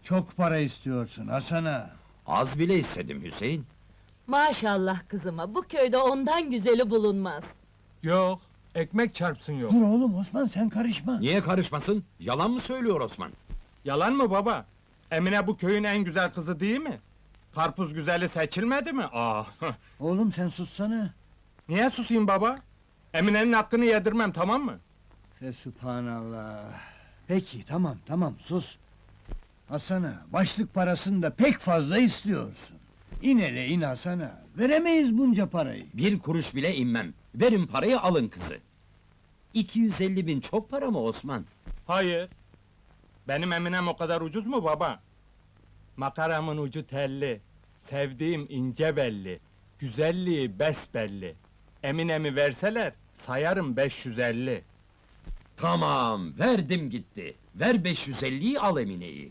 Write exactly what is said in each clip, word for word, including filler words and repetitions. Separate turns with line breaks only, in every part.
Çok para istiyorsun Hasan'a.
Az bile istedim Hüseyin.
Maşallah kızıma, bu köyde ondan güzeli bulunmaz.
Yok, ekmek çarpsın yok.
Dur oğlum Osman, sen karışma.
Niye karışmasın? Yalan mı söylüyor Osman?
Yalan mı baba? Emine bu köyün en güzel kızı değil mi? Karpuz güzeli seçilmedi mi? Aa,
Oğlum sen sussana.
niye susayım baba? Emine'nin hakkını yedirmem, tamam mı?
Fe subhanallah. Peki tamam tamam sus. Hasan'a başlık parasını da pek fazla istiyorsun. İn hele in Hasan'a. Veremeyiz bunca parayı.
Bir kuruş bile inmem. Verin parayı, alın kızı. iki yüz elli bin çok para mı Osman?
Hayır. Benim Eminem o kadar ucuz mu baba? Makaramın ucu telli, sevdiğim ince belli, güzelliği besbelli. Eminem'i verseler, sayarım beş yüz elli.
Tamam, verdim gitti. Ver beş yüz elliyi, al Emine'yi.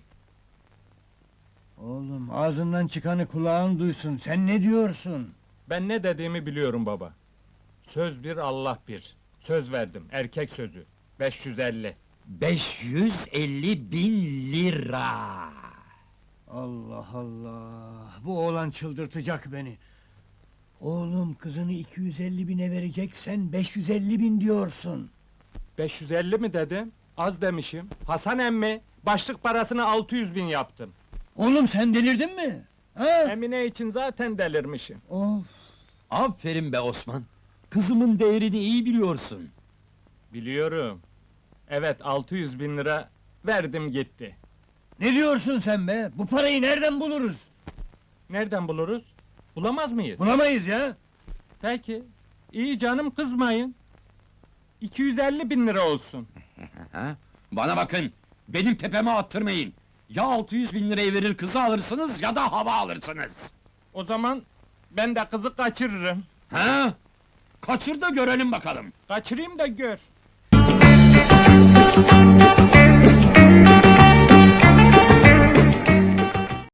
Oğlum ağzından çıkanı kulağın duysun. Sen ne diyorsun?
Ben ne dediğimi biliyorum baba. Söz bir, Allah bir. Söz verdim, erkek sözü. beş yüz elli.
beş yüz elli bin lira.
Allah Allah! Bu oğlan çıldırtacak beni. Oğlum kızını iki yüz elli bine verecek, sen beş yüz elli bin diyorsun.
beş yüz elli mi dedim? Az demişim. Hasan emmi, başlık parasını altı yüz bin yaptım.
Oğlum sen delirdin mi? Ha?
Emine için zaten delirmişim.
Of!
Aferin be Osman. Kızımın değerini iyi biliyorsun.
Biliyorum. Evet, altı yüz bin lira verdim gitti.
Ne diyorsun sen be? Bu parayı nereden buluruz?
Nereden buluruz? Bulamaz mıyız?
Bulamayız ya!
Peki. İyi canım, kızmayın. iki yüz elli bin lira olsun.
Ha? Bana bakın, benim tepeme attırmayın. Ya altı yüz bin lirayı verir kızı alırsınız, ya da hava alırsınız.
O zaman ben de kızı kaçırırım.
Ha? Kaçır da görelim bakalım.
Kaçırayım da gör.